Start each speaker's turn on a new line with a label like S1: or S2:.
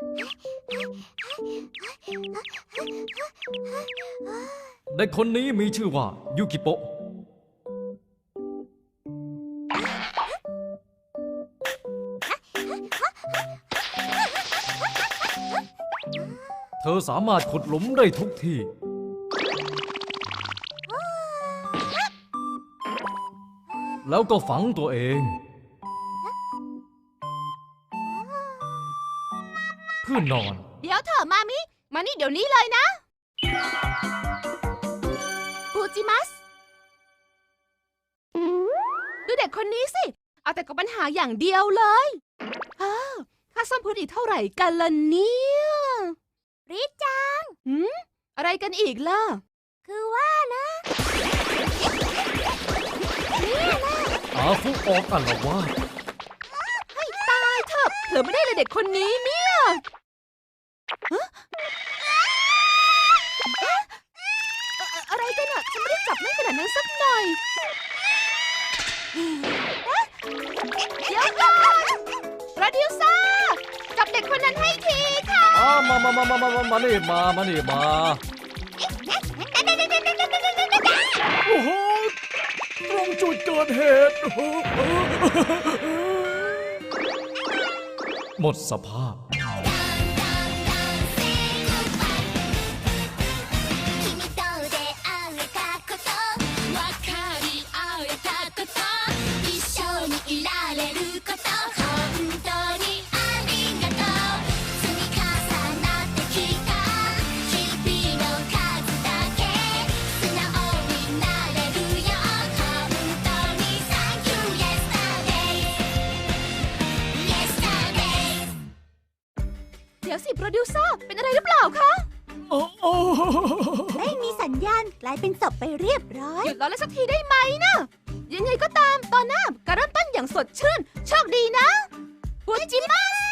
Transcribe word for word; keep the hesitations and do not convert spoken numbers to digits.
S1: เด็กคนนี้มีชื่อว่ายูกิโปะเธอสามารถขุดหลุมได้ทุกที่แล้วก็ฝังตัวเองเพื่อนอน
S2: เดี๋ยวเถอะมามิมานี่เดี๋ยวนี้เลยนะปูจิมัสดูเด็กคนนี้สิเอาแต่กับปัญหาอย่างเดียวเลยอ้าวค่าซ่อมพื้นอีกเท่าไหร่กันล่ะเนี่ยริจังหืมอะไรกันอีกล่ะคือว่านะ
S1: อาฟุออกอัลวาด
S2: ให้ตายเถอะเธอไม่ได้เลยเด็กคนนี้เนี่ยอะไรกันอ่ะฉันไม่ได้จับแม่นขนาดนั้นสักหน่อยเดี๋ยวก่อนโปรดิวเซอร์จับเด็กคนนั้นให้ทีค่ะ
S1: มามามามามามามานี่มามานี่มาโอ้โหตรงจุดเกิดเหตุหมดสภาพ
S2: เดี๋ยวสิโปรดิวเซอร์เป็นอะไรหรือเปล่าคะ
S3: ไม่มีสัญญาณกลายเป็นศพไปเรียบร้อย
S2: หยุดล้อเล่นสักทีได้ไหมนะยังไงก็ตามตอนหน้าการเริ่มต้นอย่างสดชื่นโชคดีนะปูจิมัส